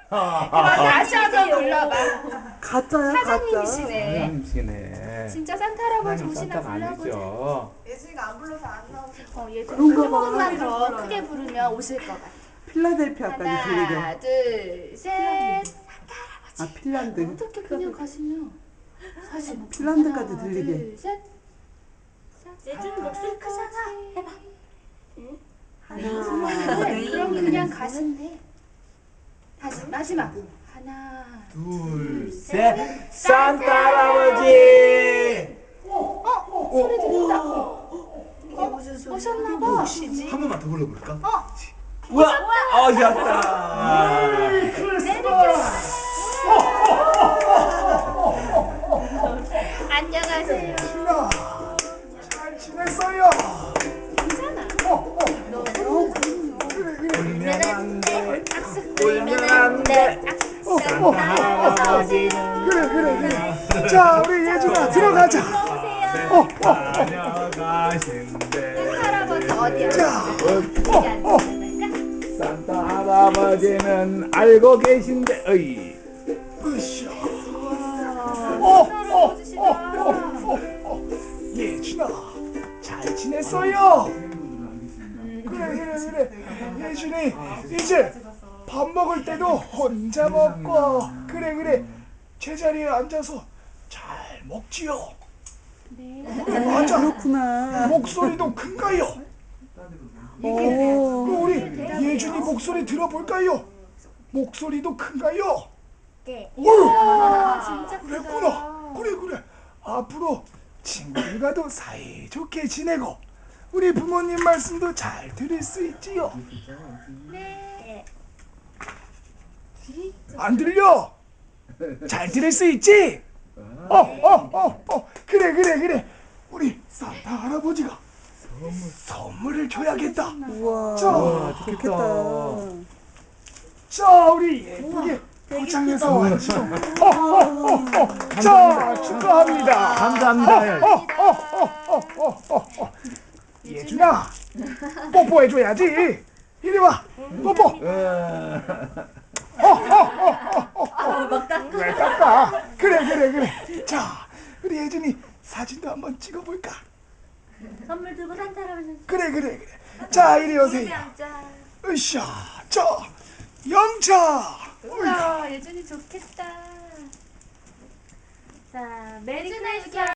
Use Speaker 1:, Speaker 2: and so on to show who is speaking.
Speaker 1: 그럼 다시 한번 불러봐.
Speaker 2: 가짜야 가짜.
Speaker 1: 사장님이시네.
Speaker 3: 사장님이시네.
Speaker 1: 진짜 산타 할아버지
Speaker 3: 사장님
Speaker 1: 오시나
Speaker 3: 산타는
Speaker 1: 불러보자.
Speaker 3: 아니죠.
Speaker 4: 예준이가 안 불러서 안 나오죠.
Speaker 1: 예전에
Speaker 2: 그런가
Speaker 1: 조금만
Speaker 2: 봐.
Speaker 1: 더 크게 부르면 오실 것 같아.
Speaker 2: 필라델피아까지 들리게.
Speaker 1: 하나, 둘, 셋.
Speaker 2: 아 핀란드.
Speaker 1: 어떻게 그냥 가시면? 사실
Speaker 2: 핀란드까지
Speaker 1: 하나,
Speaker 2: 들리게.
Speaker 1: 둘, 셋.
Speaker 4: 예준 목소리 크잖아. 해봐.
Speaker 1: 네, 그럼 그냥 가신대. 다시 마지막. 하나,
Speaker 3: 둘, 셋. 산타 할아버지.
Speaker 1: 소리 들린다. 오셨나 봐.
Speaker 5: 한 번만 더 불러볼까?
Speaker 3: 우와, 이겼다.
Speaker 1: 안녕하세요.
Speaker 5: 잘 지냈어요?
Speaker 1: 괜찮아.
Speaker 3: 울면 안 돼.
Speaker 1: 울면 안 돼.
Speaker 3: 산타 할아버지는
Speaker 5: 그래. 자, 우리 예준아 들어가자.
Speaker 3: 다녀가신대.
Speaker 1: 할아버지 어디야?
Speaker 3: 산타 할아버지는 알고 계신데, 어이.
Speaker 5: 으쌰. 예준아, 잘 지냈어요? 그래. 예준이 이제 밥 먹을 때도 혼자 먹고 그래. 제자리에 앉아서 잘 먹지요. 맞아.
Speaker 2: 그렇구나.
Speaker 5: 목소리도 큰가요?
Speaker 2: 오.
Speaker 5: 우리 예준이 목소리 들어볼까요? 목소리도 큰가요?
Speaker 4: 네.
Speaker 1: 진짜
Speaker 5: 그랬구나. 그래. 앞으로 친구들과도 사이좋게 지내고 우리 부모님 말씀도 잘 들을 수 있지요.
Speaker 1: 네.
Speaker 5: 안 들려? 잘 들을 수 있지? 그래. 우리 산타 할아버지가 선물을 줘야겠다.
Speaker 2: 우와.
Speaker 5: 자,
Speaker 2: 좋겠다.
Speaker 5: 자, 우리 예쁘게 포장해서 왔죠. 자, 축하합니다.
Speaker 3: 감사합니다.
Speaker 5: 예준아, 뽀뽀해줘야지. 이리 와, 뽀뽀. 왜 닦아? 그래. 자, 우리 예준이 사진도 한번 찍어볼까?
Speaker 4: 선물 들고 산타 할아버지.
Speaker 5: 그래. 자, 이리 오세요. 으쌰, 자, 영차.
Speaker 1: 우와, 예준이 좋겠다.
Speaker 4: 자, 메리
Speaker 1: 예준아,
Speaker 4: 크리스마스.